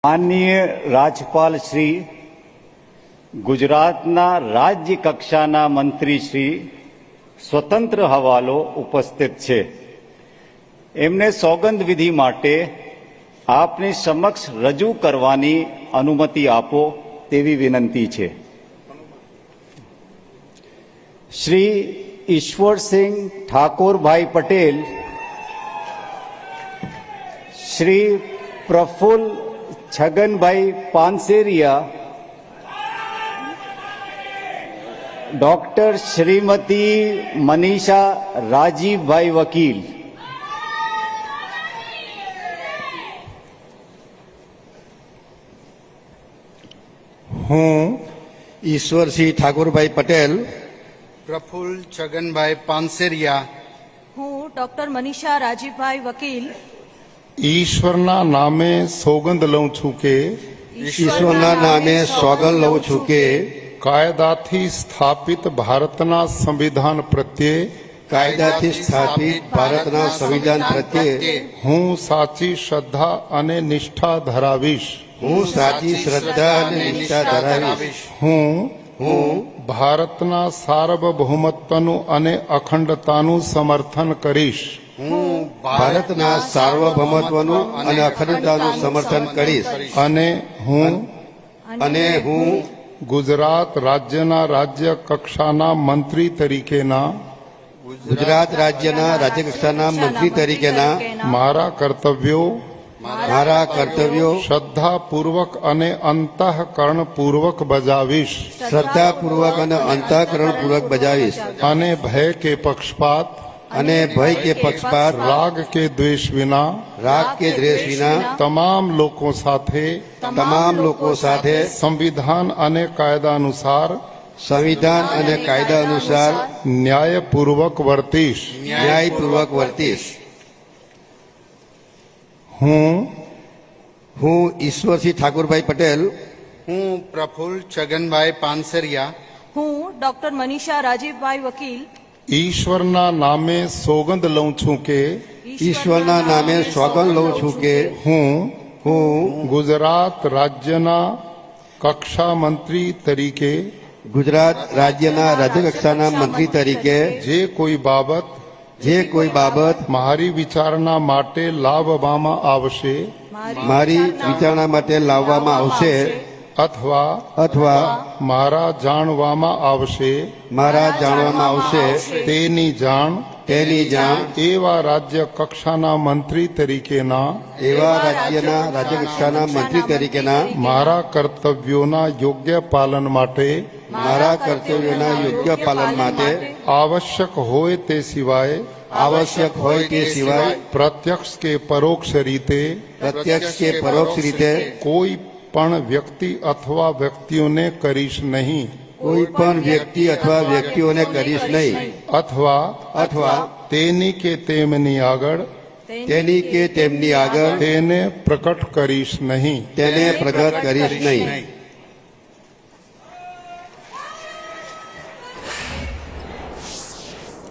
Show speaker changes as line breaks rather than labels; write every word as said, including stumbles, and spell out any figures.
માનનીય રાજ્યપાલ શ્રી, ગુજરાતના રાજ્ય કક્ષાના મંત્રી શ્રી સ્વતંત્ર હવાલો ઉપસ્થિત છે. એમને સોગંદ વિધિ માટે આપની સમક્ષ રજૂ કરવાની અનુમતિ આપો તેવી વિનંતી છે. શ્રી ઈશ્વરસિંહ ઠાકોરભાઈ પટેલ, શ્રી પ્રફુલ્લ છગનભાઈ પાનસેરિયા, ડોક્ટર શ્રીમતી મનીષા રાજીવભાઈ વકીલ,
હું ઈશ્વરસિંહ ઠાકોરભાઈ પટેલ,
પ્રફુલ્લ છગનભાઈ પાનસેરિયા,
હું ડોક્ટર મનીષા રાજીવભાઈ વકીલ
ઈશ્વરના નામે સોગંદ લઉં છું કે
ઈશ્વરના નામે સોગંદ લઉં છું કે
કાયદાથી સ્થાપિત ભારતના સંવિધાન પ્રત્યે
કાયદાથી સ્થાપિત ભારતના સંવિધાન પ્રત્યે
હું સાચી શ્રદ્ધા અને નિષ્ઠા ધરાવીશ.
હું સાચી શ્રદ્ધા અને નિષ્ઠા ધરાવીશ.
હું
હું
ભારતના સાર્વભૌમત્વનું અને અખંડતાનું સમર્થન કરીશ.
હું ભારતના સાર્વભૌમત્વનું અને અખંડતાનું સમર્થન કરીશ.
અને હું
અને હું
ગુજરાત રાજ્યના રાજ્ય કક્ષાના મંત્રી તરીકેના
ગુજરાત રાજ્યના રાજ્યકક્ષાના મંત્રી તરીકેના
મારા કર્તવ્યો
મારા કર્તવ્યો
શ્રદ્ધાપૂર્વક અને અંતઃકરણપૂર્વક બજાવીશ.
શ્રદ્ધાપૂર્વક અને અંતઃકરણપૂર્વક બજાવીશ.
અને ભય કે પક્ષપાત,
અને ભય કે પક્ષપાત,
રાગ કે દ્વેષ વિના
રાગ કે દ્વેષ વિના
તમામ લોકો સાથે
તમામ લોકો સાથે
સંવિધાન અને કાયદા અનુસાર
સંવિધાન અને કાયદા અનુસાર
ન્યાયપૂર્વક વર્તીશ.
ન્યાયપૂર્વક વર્તીશ.
હું
હું ઈશ્વરસિંહ ઠાકોરભાઈ પટેલ,
હું પ્રફુલ્લ છગનભાઈ પાનસેરિયા,
હું ડોક્ટર મનીષા રાજીવભાઈ વકીલ
ઈશ્વરના નામે સોગંદ લઉં છું કે
ઈશ્વરના નામે સોગંદ લઉં છું કે
હું
હું
ગુજરાત રાજ્યના કક્ષા મંત્રી તરીકે
ગુજરાત રાજ્યના રાજ્યકક્ષાના મંત્રી તરીકે
જે કોઈ બાબત
જે કોઈ બાબત
મારી વિચારણા માટે લાવવામાં આવશે
મારી વિચારણા માટે લાવવામાં આવશે
અથવા
અથવા
મારા જાણવામાં આવશે
મારા જાણવામાં આવશે
તેની જાણ
તેની જાણ
એવા રાજ્ય કક્ષાના મંત્રી તરીકેના
એવા રાજ્યના રાજ્યકક્ષાના મંત્રી તરીકેના
મારા કર્તવ્યોના યોગ્ય પાલન માટે
મારા કર્તવ્યોના યોગ્ય પાલન માટે
આવશ્યક હોય તે સિવાય
આવશ્યક હોય તે સિવાય
પ્રત્યક્ષ કે પરોક્ષ રીતે
પ્રત્યક્ષ કે પરોક્ષ રીતે
કોઈ પણ વ્યક્તિ અથવા વ્યક્તિઓને કરીશ નહીં.
કોઈ પણ વ્યક્તિ અથવા વ્યક્તિઓને કરીશ નહીં.
અથવા
અથવા
તેની કે તેમની આગળ
તેની કે તેમની આગળ
તેને પ્રકટ કરીશ નહીં.
તેને પ્રગટ કરીશ નહીં.